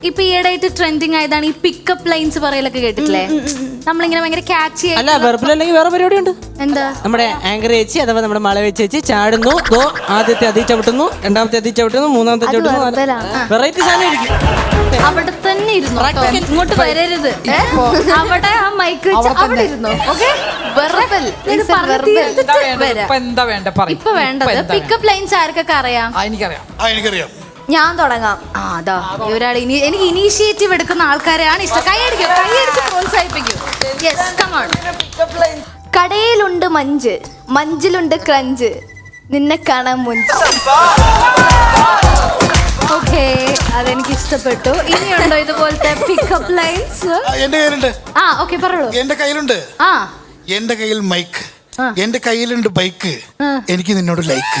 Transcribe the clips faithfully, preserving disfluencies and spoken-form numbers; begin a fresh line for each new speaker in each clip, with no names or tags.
ഇപ്പൊ ഈയിടെയായിട്ട് ട്രെൻഡിങ് ആയതാണ് ഈ പിക്കപ്പ് ലൈൻസ് പറയലൊക്കെ കേട്ടിട്ടില്ലേ? നമ്മളിങ്ങനെ ഭയങ്കര ക്യാച്ച്
അല്ല വെർബൽ അല്ലെങ്കിൽ വേറെ പരിപാടി ഉണ്ട്.
എന്താ?
നമ്മുടെ ആങ്കർ ചേച്ചി അഥവാ നമ്മുടെ മല വെച്ച് ചേച്ചി ചാടുന്നു, ഗോ ആദ്യത്തെ അതി ചവിട്ടുന്നു, രണ്ടാമത്തെ അതി ചവിട്ടുന്നു, മൂന്നാമത്തെ ചവിട്ടുന്നു. വെറൈറ്റി സാധനം ആയിരിക്കും.
അവിടെ തന്നെ ഇരുന്നു, ഇങ്ങോട്ട് വരരുത്. അവിടെ ആ മൈക്ക് വെച്ച് അവിടെ ഇരുന്നു. ഇപ്പൊ വേണ്ടത് പിക്കപ്പ് ലൈൻസ് ആർക്കൊക്കെ അറിയാം?
എനിക്കറിയാം.
ഞാൻ തുടങ്ങാം. ആ അതാ ഒരാൾ ഇനി എനിക്ക് ഇനീഷ്യേറ്റീവ് എടുക്കുന്ന ആൾക്കാരെയാണ് ഇഷ്ടം. കൈയടിക്കും, കൈയടിച്ച് പ്രോത്സാഹിപ്പിക്കും. Yes, come on. കടയിലുണ്ട് മഞ്ച്, മഞ്ചിലുണ്ട് ക്രഞ്ച്, നിന്നെ കാണാൻ മുഞ്ച്. ഓക്കെ, അതെനിക്ക് ഇഷ്ടപ്പെട്ടു. ഇനിയുണ്ടോ ഇതുപോലത്തെ പിക്കപ്പ് ലൈൻസ്?
എന്റെ കയ്യിലുണ്ട്.
ആ ഓക്കെ, പറഞ്ഞോളൂ.
എന്റെ കയ്യിലുണ്ട്.
ആ
എന്റെ കയ്യിൽ മൈക്ക്, എന്റെ കയ്യിലുണ്ട് ബൈക്ക്, എനിക്ക് നിന്നോട് ലൈക്ക്.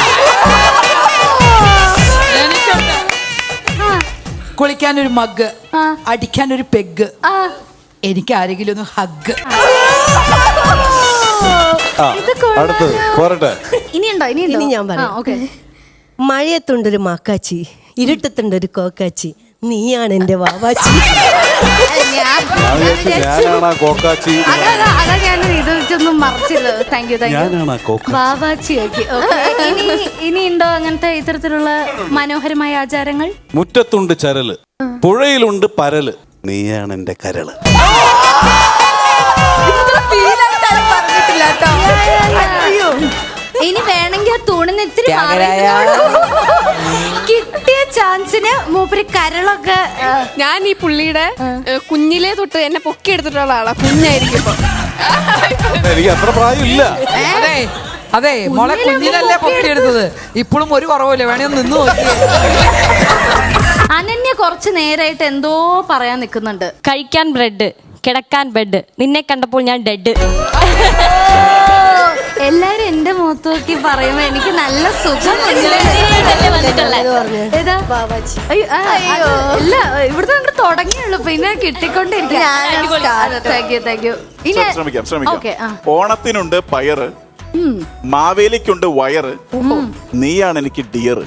കുളിക്കാനൊരു മഗ്, അടിക്കാനൊരു പെഗ്, എനിക്ക് ആരെങ്കിലും ഒന്ന് ഹഗ്.
ഇനിയുണ്ടോ? ഇനിയുണ്ടോ?
ഇനി ഞാൻ പറയാം. മഴയത്തുണ്ടൊരു മാക്കാച്ചി, ഇരുട്ടത്തുണ്ടൊരു കോക്കാച്ചി, നീയാണ് എന്റെ വാവാച്ചി.
അതാ ഞാൻ ഇത് വെച്ചൊന്നും മറച്ചില്ല. Thank you, thank you. വാവാച്ചി. ഇനി ഉണ്ടോ അങ്ങനത്തെ ഇത്തരത്തിലുള്ള മനോഹരമായ ആചാരങ്ങൾ?
മുറ്റത്തുണ്ട് ചരല്, പുഴയിലുണ്ട് പരല്, നീയാണ് എന്റെ കരള്.
ഇനി വേണമെങ്കിൽ തൂണിന് ഇത്തിരി കിട്ടിയ ചാൻസിന് മൂപ്പര് കരളൊക്കെ.
ഞാൻ ഈ പുള്ളിയുടെ കുഞ്ഞിലേ തൊട്ട് എന്നെ പൊക്കി എടുത്തിട്ടുള്ള ആളാ. കുഞ്ഞായിരിക്കും
എനിക്ക് അത്ര പ്രായമില്ല.
അതെ അതെ മോളെ കുഞ്ഞിനല്ലേ പൊക്കിയെടുത്തത്. ഇപ്പോഴും ഒരു കുറവില്ല, വേണേ നിന്ന് നോക്കി.
അനന്യ കുറച്ച് നേരായിട്ട് എന്തോ പറയാൻ നിൽക്കുന്നുണ്ട്.
കഴിക്കാൻ ബ്രെഡ്, കിടക്കാൻ ബെഡ്, നിന്നെ കണ്ടപ്പോൾ ഞാൻ ഡെഡ്.
എല്ലാരും എന്റെ മുഖത്ത് നോക്കി പറയുമ്പോ എനിക്ക് നല്ല സുഖം. ഇല്ല, ഇവിടുത്തെ കണ്ട് തുടങ്ങിയുള്ളൂ, പിന്നെ കിട്ടിക്കൊണ്ടിരിക്കും.
ശ്രമിക്കാം ശ്രമിക്കാം. ഓണത്തിനുണ്ട് പയറ്, മാവേലിക്കുണ്ട് വയറ്, നീയാണ് എനിക്ക് ഡിയറ്.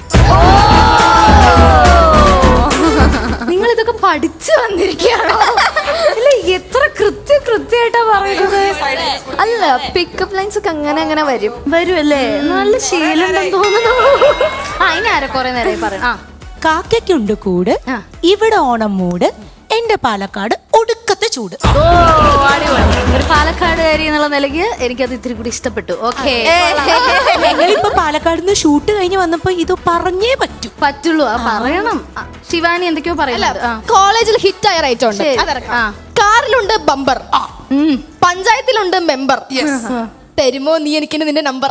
നിങ്ങൾ ഇതൊക്കെ പഠിച്ചു വന്നിരിക്കുകയാണോ? ഇല്ല, എത്ര കൃത്യ കൃത്യമായിട്ടാ പറയുന്നത്.
അല്ല, പിക്കപ്പ് ലൈൻസ് ഒക്കെ അങ്ങനെ അങ്ങനെ വരും
വരുമല്ലേ? നല്ല ശീലം തോന്നുന്നു. ആ ഇനി ആരെ കുറെ നേരം പറയാം.
കാക്കയ്ക്കുണ്ട് കൂട്, ഇവിടെ ഓണം മൂട്, എന്റെ പാലക്കാട് ഒടുക്കത്തെ ചൂട്.
ഓ അടിപൊളി. ഒരു പാലക്കാടുകാരി എന്നുള്ള നിലയ്ക്ക് എനിക്കത് ഇത്തിരി കൂടി ഇഷ്ടപ്പെട്ടു. ഓക്കെ,
ഞങ്ങളിപ്പോ പാലക്കാട് നിന്ന് ഷൂട്ട് കഴിഞ്ഞ് വന്നപ്പോ ഇത് പറഞ്ഞേ പറ്റൂ
പറ്റുള്ളൂ. ആ പറയണം. ശിവാനി എന്തൊക്കെയോ പറയല്ല.
കോളേജിൽ ഹിറ്റ് ആയ റൈറ്റ് ഉണ്ട്. കാറിലുണ്ട് ബമ്പർ, പഞ്ചായത്തിലുണ്ട് മെമ്പർ, തരുമോ നീ എനിക്ക് നിന്റെ നമ്പർ.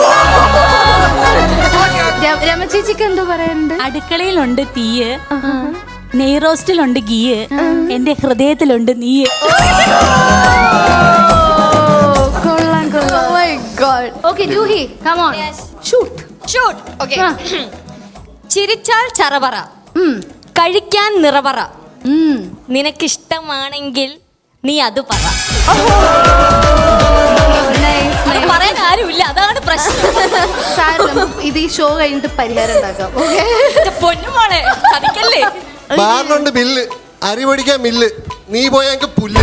രമചേച്ചിക്ക് എന്തോ പറയാനുണ്ട്?
അടുക്കളയിലുണ്ട് തീയ്, നെയ്റോസ്റ്റിലുണ്ട് ഗീയ്, എന്റെ ഹൃദയത്തിലുണ്ട് നീയ്.
കൊള്ളാം കൊള്ളാം. Okay Juhi, come on. Shoot
shoot. Okay. ചിരിച്ചാൽ ചറപറ, കഴിക്കാൻ നിറപറ, നിനക്കിഷ്ടമാണെങ്കിൽ നീ അത് പറ. പറയാൻ ആരുമില്ല, അതാണ് പ്രശ്നം.
ഇത് ഈ ഷോ കഴിഞ്ഞിട്ട് പരിഹാരം ഉണ്ടാക്കാം.
പൊന്നുമോളെ ചതിക്കല്ലേ.
ബാറിനുണ്ട് ബില്ല്, അരി പൊടിക്കാൻ മില്ല്, നീ പോയാ എനിക്ക് പുല്ല്.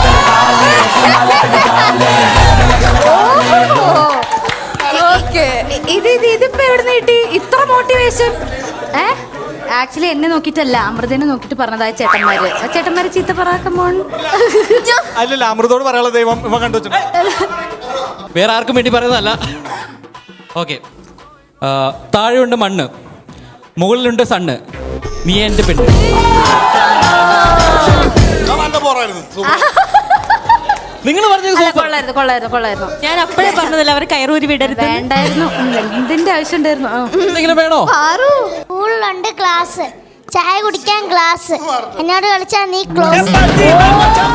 ഇത് ഇതിപ്പോ എവിടെ കിട്ടി ഇത്ര മോട്ടിവേഷൻ? ഏ ആക്ച്വലി എന്നെ നോക്കിട്ടല്ല, അമൃതനെ നോക്കിട്ട് പറഞ്ഞതായ ചേട്ടന്മാര്. ആ ചേട്ടന്മാര് ചീത്ത പറയാൻ.
അല്ലല്ല, അമൃതോട് പറയാനുള്ള ദൈവം ഇവ കണ്ടു വെച്ചു, വേറെ ആർക്കും വേണ്ടി പറയുന്നതല്ല. ഓക്കെ, താഴെയുണ്ട് മണ്ണ്, മുകളിലുണ്ട് സണ്ണ്, നീ എന്റെ പെണ്ണ്. നിങ്ങൾ പറഞ്ഞത്
കൊള്ളായിരുന്നു കൊള്ളായിരുന്നു കൊള്ളായിരുന്നു.
ഞാൻ അപ്പോഴേ പറഞ്ഞതല്ല അവർ കയറൂരി വിടരുത്.
വേണ്ടായിരുന്നു, എന്തിന്റെ ആവശ്യം ഉണ്ടായിരുന്നു?
എന്തെങ്കിലും വേണോ?
സ്കൂളിലുണ്ട് ക്ലാസ്, ചായ കുടിക്കാൻ ഗ്ലാസ്, എന്നോട് കളിച്ചാ നീ ക്ലോസ്.